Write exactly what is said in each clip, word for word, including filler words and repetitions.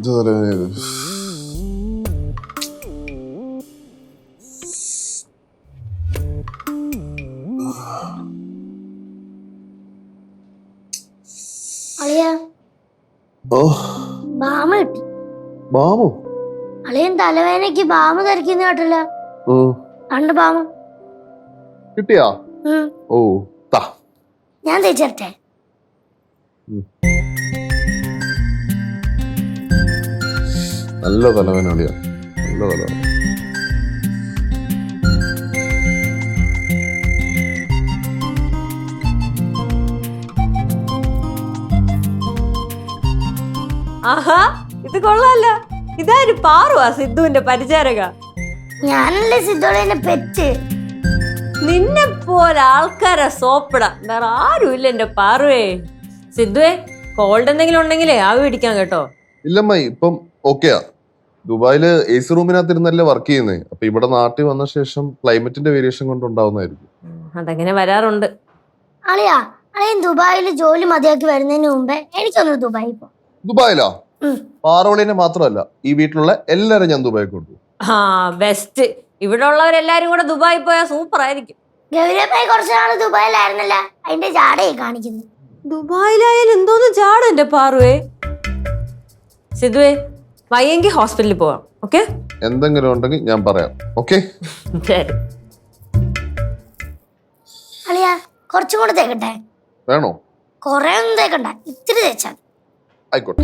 അളിയൻ തലവേദനയ്ക്ക് ബാമ ധരിക്കുന്ന കേട്ടല്ലോ. രണ്ട് ബാമ കിട്ടിയാ? ഓ താ ഞാൻ തേച്ചേ. നല്ല തലവേദന അളിയാ, നല്ല തലവേദന. ആഹാ, ഇത് കൊള്ളാല്ല. ഇതാര് പാറുവാ സിദ്ധുവിന്റെ പരിചാരക? ഞാനല്ലേ സിദ്ധുവിന്റെ പെറ്റ്. നിന്നെ പോലെ ആൾക്കാരെ സോപ്പിടാം വേറെ ആരും ഇല്ല എന്റെ പാറുവേ. സിദ്ധുവേ, കോൾഡ് എന്തെങ്കിലും ഉണ്ടെങ്കിലേ ആവി പിടിക്കാൻ കേട്ടോ. ഇല്ലമ്മ, ഇപ്പം ഓക്കെയാ. ദുബായില് എ സി റൂമിനകത്തിരുന്നല്ലേ വർക്ക് ചെയ്യുന്നത്. അപ്പൊ ഇവിടെ നാട്ടിൽ വന്ന ശേഷം ക്ലൈമറ്റിന്റെ വേരിയേഷൻ കൊണ്ട് ഉണ്ടാവുന്നതായിരിക്കും. അതങ്ങനെ വരാറുണ്ട്. അളിയാ, അളിയൻ ദുബായില് ജോലി മതിയാക്കി വരുന്നതിന് മുമ്പേ എനിക്കൊന്ന് ദുബായി പോ. ദുബായിലാ? പാറോളിനെ മാത്രമല്ല, ഈ വീട്ടിലുള്ള എല്ലാരും ഞാൻ ദുബായി കൊണ്ടു. ആ ബെസ്റ്റ്. ഇവിടെ ഉള്ളവരെല്ലാരും കൂടെ ദുബായി പോയാ സൂപ്പർ ആയിരിക്കും. ഗൗരവമായി കുറച്ചു നാള് ദുബായിലായിരുന്നല്ല, അതിന്റെ ജാടയെ കാണിക്കുന്നു. ദുബായിലായാലും എന്തോന്ന് ജാട എന്റെ പാറുവേ. സിദ്ധുവേ, വയ്യെങ്കിൽ ഹോസ്പിറ്റലിൽ പോവാം. ഓക്കെ, എന്തെങ്കിലും ഉണ്ടെങ്കിൽ ഞാൻ പറയാം. ഓക്കെ ശരി. അളിയാ, കുറച്ചും കൂടെ തേക്കട്ടെ? വേണോ? കൊറേ ഒന്നും തേക്കണ്ട, ഇത്തിരി തേച്ചാൽ. ആയിക്കോട്ടെ.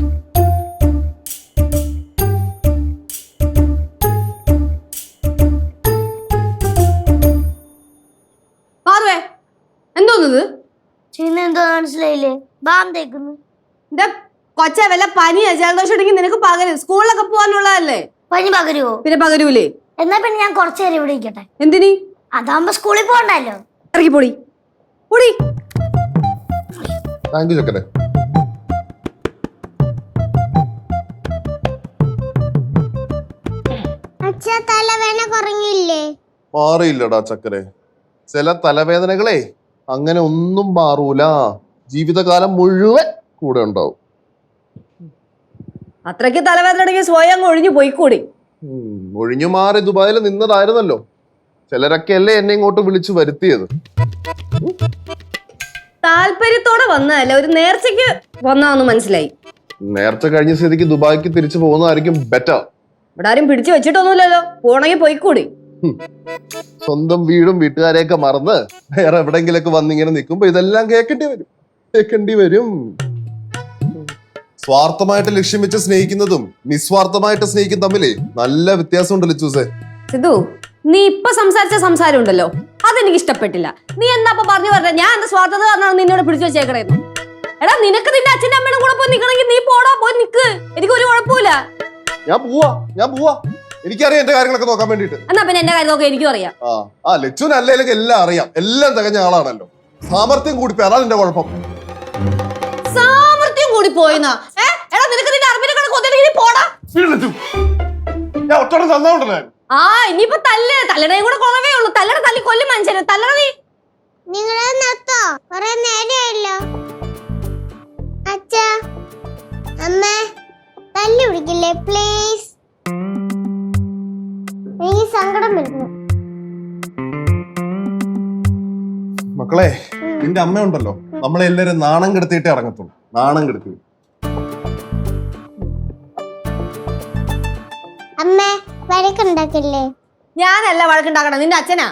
എന്തോന്നത് എന്തോ മനസ്സിലായില്ലേ? ബാം തേക്കുന്നു. കൊച്ച വല്ല പനിയാ ജലദോഷം ഉണ്ടെങ്കിൽ നിനക്ക് പകരും. സ്കൂളിലൊക്കെ പോകാനുള്ളതല്ലേ. പനി പകരുവോ? പിന്നെ പകരൂലേ? എന്നാ പിന്നെ ഞാൻ കുറച്ചു നേരം ഇവിടെ ഇരിക്കട്ടെ. എന്തിനി? അതാകുമ്പോ സ്കൂളിൽ പോകണ്ടല്ലോ. ഇറങ്ങി പൊടി പൊടി. താങ്ക് യു ചക്കരെ. തലവേദന കുറഞ്ഞില്ലേ? മാറിയില്ലടാ ചക്കരെ. ചില തലവേദനകളെ അങ്ങനെ ഒന്നും മാറൂല. ജീവിതകാലം മുഴുവൻ കൂടെ ഉണ്ടാവും. അത്രയ്ക്ക് തലവേദന ഉണ്ടെങ്കിൽ സ്വയം ഒഴിഞ്ഞു പോയിക്കൂടി. ഒഴിഞ്ഞു മാറി ദുബായിൽ നിന്നതായിരുന്നല്ലോ. ചിലരൊക്കെ അല്ലേ എന്നെ ഇങ്ങോട്ട് വിളിച്ചു വരുത്തിയത്. താല്പര്യത്തോടെ വന്നതല്ല, ഒരു നേർച്ചയ്ക്ക് വന്നാന്ന് മനസ്സിലായി. നേർച്ച കഴിഞ്ഞ സ്ഥിതിക്ക് ദുബായിക്ക് തിരിച്ചു പോകുന്നതായിരിക്കും ബെറ്റർ. ഇവിടെ ആരും പിടിച്ചു വെച്ചിട്ടൊന്നുമില്ലല്ലോ. പോണെങ്കിൽ പോയിക്കൂടി. സ്വന്തം വീടും വീട്ടുകാരെയൊക്കെ മറന്ന് വേറെ എവിടെങ്കിലൊക്കെ വന്നിങ്ങനെ നിൽക്കുമ്പോ ഇതെല്ലാം കേൾക്കേണ്ടി വരും കേൾക്കേണ്ടി വരും സ്വാർത്ഥമായിട്ട് ലക്ഷ്യം വെച്ച് സ്നേഹിക്കുന്നതും നിസ്വാർത്ഥമായിട്ട് സ്നേഹിക്കും തമ്മില് നല്ല വ്യത്യാസം ഉണ്ടല്ലോ ചൂസേ. സിദ്ധു, നീ ഇപ്പൊ സംസാരിച്ച സംസാരം ഉണ്ടല്ലോ, അതെനിക്ക് ഇഷ്ടപ്പെട്ടില്ല. നീ എന്താ പറഞ്ഞു പറഞ്ഞ? ഞാൻ എന്താ സ്വാർത്ഥത പറഞ്ഞാണ് നിന്നോട് പിടിച്ചു വെച്ചേക്കണേന്ന്? എടാ, നിനക്ക് നിന്റെ അച്ഛൻ്റെ അമ്മയുടെ കൂടെ പോയി നിൽക്കണമെങ്കിൽ നീ പോടാ, പോയി നിക്ക്. എനിക്ക് ഒരു കുഴപ്പമില്ല. ഞാൻ പോവാ ഞാൻ പോവാ എനിക്കറിയാം എന്റെ കാര്യങ്ങളൊക്കെ നോക്കാൻ വേണ്ടിട്ട്. എന്നാ പിന്നെ എന്റെ കാര്യം നോക്കാൻ എനിക്കും അറിയാം. ആ ആ ലച്ചുവിന് അല്ലെങ്കിലും എല്ലാം അറിയാം. എല്ലാം തികഞ്ഞ ആളാണല്ലോ. സാമർത്ഥ്യം കൂടി പോയി, അതാണ് എന്റെ കുഴപ്പം. സാമർത്ഥ്യം കൂടി പോയിന്നാ? എടാ, നിനക്ക് നിന്റെ അറിവിനെ കണക്ക് ഒന്നില്ലെങ്കിൽ പോടാ. ഞാൻ ഒറ്റ തന്നോണ്ടല്ലേ. ആ ഇനിയിപ്പോ തല്ല് തല്ലടയും കൂടെ കുറവേ ഉള്ളൂ. തല്ലട തല്ലി കൊല്ലും മനുഷ്യനെ. തല്ലട നീ. നിങ്ങളെ നിർത്തോ? കുറെ നേരമായല്ലോ. അച്ഛാ, അമ്മ, തല്ലി പിടിക്കില്ലേ പ്ലീസ്? എനിക്ക് സങ്കടം വരുന്നു. മക്കളെ, നിന്റെ അമ്മ ഉണ്ടല്ലോ, നമ്മളെ എല്ലാരും നാണം കെടുത്തിയിട്ടേ ഇറങ്ങത്തുള്ളൂ. നാണം കെടുത്തി. അമ്മ വഴക്കുണ്ടാക്കില്ലേ? ഞാനല്ല വഴക്കുണ്ടാക്കണം, നിന്റെ അച്ഛനാ.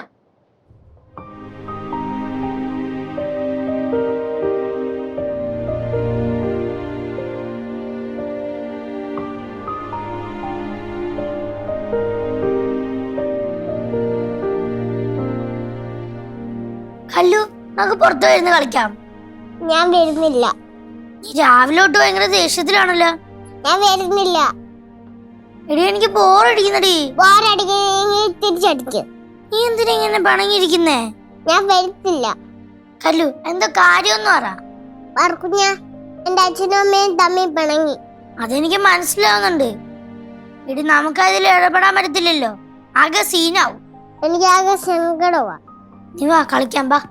കല്ലു, നമുക്ക് പുറത്തു വരുന്ന കളിക്കാം. ഞാൻ വരുന്നില്ല. നീ രാവിലെ തൊട്ട് ഭയങ്കര ദേഷ്യത്തിലാണല്ലോ. ഞാൻ വരുന്നില്ല. എടി, എനിക്ക് ബോറടിക്കുന്നടി. ബോറടിക്കും തിരിച്ചടിക്കും. നീ എന്തിനാ ഇങ്ങനെ പണങ്ങിയിരിക്കുന്നേ? ഞാൻ വരുത്തില്ല. കല്ലു, എന്താ കാര്യമൊന്നും പറ. പറക്കുഞ്ഞ, എന്റെ അച്ഛനും അമ്മയും തമ്മിൽ പിണങ്ങി. അതെനിക്ക് മനസ്സിലാവുന്നുണ്ട്. എടി, നമുക്ക് അതിൽ ഇടപെടാൻ പറ്റത്തില്ലല്ലോ. ആകെ സീനാവും. എനിക്ക് ആകെ സങ്കടമാ. നീ വാ കളിക്കാൻ ബാ.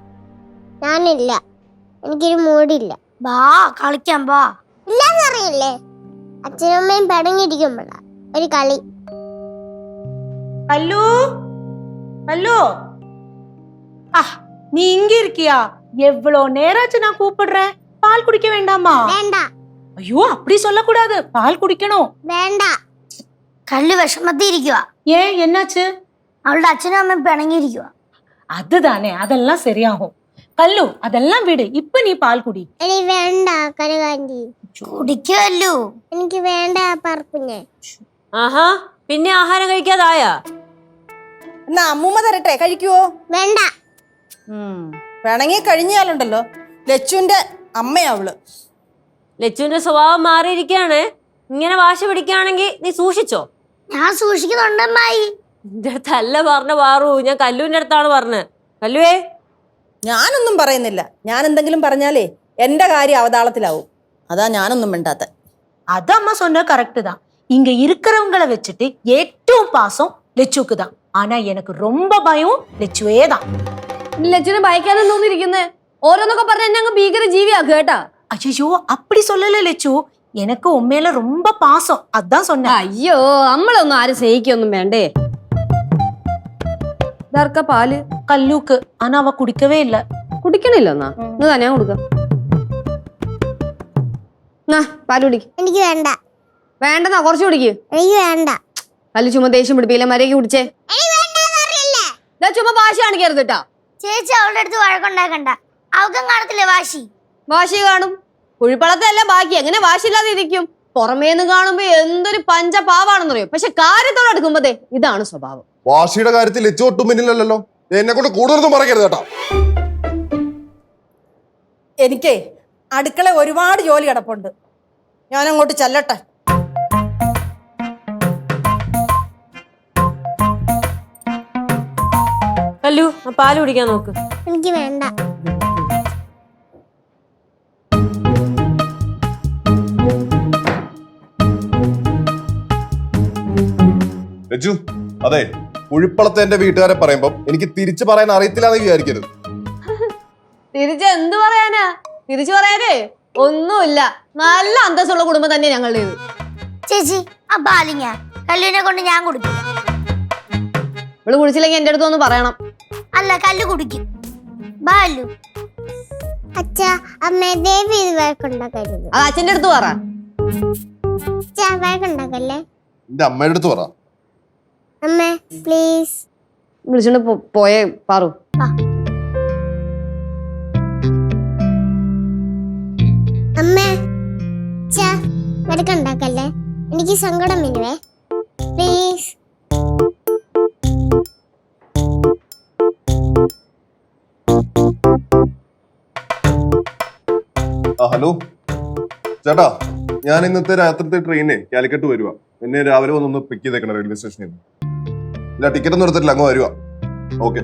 ഞാനില്ല, എനിക്കൊരു മൂടില്ല. ബാ കളിക്കാൻ ബാ. ഇല്ലെന്നറിയില്ലേ? അച്ഛനും അമ്മയും പടങ്ങിയിരിക്കുമ്പോഴാ ഒരു കളി. ஹலோ ஹலோ ஆ நீ இங்க இருக்கியா? எவ்வளோ நேராச்சு நான் கூப்பிடுறேன். பால் குடிக்க வேண்டாமா? വേണ്ട ஐயோ அப்படி சொல்லக்கூடாது, பால் குடிக்கணும். വേണ്ട. കല്ലു വിഷമത്തിരിക്കുക. ஏன் என்னாச்சு? അവളുടെ അച്ഛനും അമ്മയും പിണങ്ങിയിരിക്കുക. அதுதானே, அதெல்லாம் சரியாகும். கல்லு அதெல்லாம் விடு, இப்ப நீ பால் குடி. എനിക്ക് വേണ്ട കരുകാന്റി. കുടിക്കുമല്ലോ. എനിക്ക് വേണ്ട പറപ്പിഞ്ഞ്. ആഹാ, പിന്നെ ആഹാരം കഴിക്കാതായാ? എന്നാ അമ്മൂമ്മ തരട്ടെ, കഴിക്കുവോ? വേണ്ട. വേണമെങ്കിൽ കഴിഞ്ഞാലുണ്ടല്ലോ ലച്ചുവിന്റെ അമ്മയാ അവള്. ലച്ചുവിന്റെ സ്വഭാവം മാറിയിരിക്കുകയാണ്. ഇങ്ങനെ വാശി പിടിക്കുകയാണെങ്കിൽ നീ സൂക്ഷിച്ചോ. ഞാൻ സൂക്ഷിക്കുന്നുണ്ടമ്മായി. എന്റെ അടുത്തല്ല പറഞ്ഞ പാറു, ഞാൻ കല്ലുവിന്റെ അടുത്താണ് പറഞ്ഞത്. കല്ലുവേ, ഞാനൊന്നും പറയുന്നില്ല. ഞാൻ എന്തെങ്കിലും പറഞ്ഞാലേ എന്റെ കാര്യം അവതാളത്തിലാവും. അതാ ഞാനൊന്നും മിണ്ടാത്ത. அது அம்மா சொன்ன கரெக்ட் தான். இங்க இருக்கிறவங்கள வச்சுட்டு ஏற்றவும் பாசம் லெச்சுக்கு தான். ஆனா எனக்கு ரொம்ப பயம் லெச்சுவே தான். ലച്ചുവിനെ ഭയക്കാനും തോന്നിയിരിക്കുന്നേ. ഓരോന്നൊക്കെ പറഞ്ഞ എന്നെ അങ്ങ് ഭീകര ജീവിയാക്കുക കേട്ടാ. ஐயோ அப்படி சொல்லல லெச்சு, எனக்கு உண்மையில ரொம்ப பாசம், அதான் சொன்னேன். അയ്യോ, നമ്മളൊന്നും ആരും സ്നേഹിക്കൊന്നും വേണ്ടേ. ഇതാർക്കാ പാല്? கல்லுக்கு. ஆனா அவ குடிக்கவே இல்ல. കുടിക്കണില്ല എന്നാ ഇന്ന് തന്നെ ഞാൻ കൊടുക്കാം. എന്നാ പാല് കുടിക്ക്. എനിക്ക് വേണ്ട. വേണ്ടെന്നാ, കുറച്ച് കുടിക്ക്. എനിക്ക് വേണ്ട. കല്ല് ചുമ്മാ ദേഷ്യം പിടിപ്പില്ല, മര്യാദയ്ക്ക് കുടിച്ചേ. ഇതാ ചുമ്മാ വാശി കാണിക്കരുത് കേട്ടാ. ചേച്ചി അവളുടെ അടുത്ത് വഴക്കുണ്ടാക്കണ്ട. അവക്കും കാണത്തില്ലേ വാശി? വാശി കാണും. കുഴിപ്പളത്തല്ല ബാക്കി, എങ്ങനെ വാശിയില്ലാതെ ഇരിക്കും? പുറമേന്ന് കാണുമ്പോ എന്തൊരു പഞ്ചപാവാണെന്നറിയോ, പക്ഷെ കാര്യത്തോടെ എടുക്കുമ്പോതേ ഇതാണ് സ്വഭാവം. വാശിയുടെ കാര്യത്തിൽ ലച്ചു ഒട്ടും പിന്നിലല്ലോ. എന്നെ കൊണ്ട് കൂടുതലൊന്നും പറയരുത് കേട്ടോ. എനിക്കേ അടുക്കള ഒരുപാട് ജോലി കിടപ്പുണ്ട്. ഞാൻ അങ്ങോട്ട് ചെല്ലട്ടെ. കല്ലു, ആ പാല് കുടിക്കാൻ നോക്ക്. എനിക്ക് വേണ്ട. ലച്ചു, അതെ, കുഴിപ്പളത്തെ എന്റെ വീട്ടുകാരെ പറയുമ്പോ എനിക്ക് തിരിച്ചു പറയാൻ അറിയത്തില്ലാന്ന് വിചാരിക്കരുത്. തിരിച്ച് എന്ത് പറയാനാ? തിരിച്ചു പറയാനേ ഒന്നുമില്ല. നല്ല അന്തസ്സുള്ള കുടുംബം തന്നെ ഞങ്ങളുടേത്. ചേച്ചി ആ പാലിങ്ങ കല്ലുവിനെ കൊണ്ട് ഞാൻ കുടിക്കും. ഇവള് കുടിച്ചില്ലെങ്കിൽ എന്റെ അടുത്ത് ഒന്ന് പറയണം. അല്ല, കല്ലു കുടിക്കും. ബാലു അച്ഛാ അമ്മ ദേവി ഇത് വഴക്കുണ്ടാക്കരുത്. അത് അച്ഛന്റെ അടുത്ത് പറ. വഴക്കുണ്ടാക്കല്ലേ. എന്റെ അമ്മയുടെ അടുത്ത് പറ. അമ്മ പ്ലീസ്. വിളിച്ചോണ്ട് പോ- പോയേ പാറു. അമ്മ വഴക്കുണ്ടാക്കല്ലേ, എനിക്ക് സങ്കടം വരുവേ. പ്ലീസ്. ആ ഹലോ ചേട്ടാ, ഞാൻ ഇന്നത്തെ രാത്രിത്തെ ട്രെയിനെ കാലിക്കട്ട് വരുവാ. എന്നെ രാവിലെ വന്നൊന്ന് പിക്ക് ചെയ്തേക്കണം റെയിൽവേ സ്റ്റേഷനിൽ നിന്ന്. ഇല്ല, ടിക്കറ്റ് ഒന്നും എടുത്തിട്ടില്ല, അങ്ങ് വരുവാ. ഓക്കെ.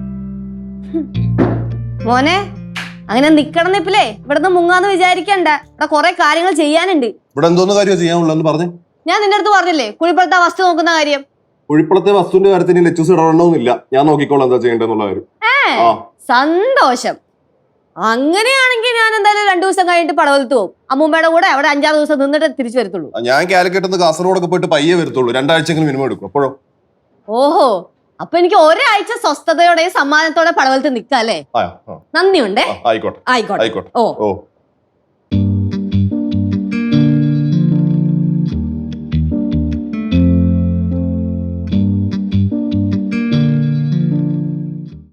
മോനെ, അങ്ങനെ നിക്കണം നിപ്പില്ലേ ഇവിടുന്ന് മുങ്ങാന്ന് വിചാരിക്കണ്ട. ഇവിടെ കുറെ കാര്യങ്ങൾ ചെയ്യാനുണ്ട്. ഇവിടെ എന്തോന്ന് കാര്യം ചെയ്യാനുള്ളതെന്ന് പറഞ്ഞേ. ഞാൻ നിന്റെ അടുത്ത് പറഞ്ഞില്ലേ കുഴിപ്പുറത്തെ വസ്തു നോക്കുന്ന കാര്യം. കുഴിപ്പളത്തെ വസ്തുവിന്റെ കാര്യത്തിന് ലച്ചൂസ് ഇടപെടണമെന്നില്ല. ഞാൻ നോക്കിക്കോളാം എന്താ ചെയ്യേണ്ടതെന്നുള്ള കാര്യം. ആ സന്തോഷം. അങ്ങനെയാണെങ്കിൽ ഞാൻ എന്തായാലും രണ്ടു ദിവസം കഴിഞ്ഞിട്ട് പടവലത്ത് പോകും. അമ്മൂമ്മയുടെ കൂടെ അവിടെ അഞ്ചാറ് ദിവസം നിന്നിട്ട് തിരിച്ചു വരത്തുള്ളൂ. ഞാൻ കാലിക്കട്ട് നിന്ന് കാസർഗോഡൊക്കെ പോയിട്ട് പയ്യെ വരത്തുള്ളൂ. രണ്ടാഴ്ചയെങ്കിലും മിനിമം എടുക്കും. അപ്പോഴോ? ഓഹോ, അപ്പൊ എനിക്ക് ഒരാഴ്ച സ്വസ്ഥതയോടെ സമ്മാനത്തോടെ പടവലത്ത് നിക്കാം അല്ലേ? ആ ആ, നന്ദിയുണ്ടേ. ആ, ആയിക്കോട്ടെ ആയിക്കോട്ടെ. ആയിക്കോട്ടെ. ഓ ഓ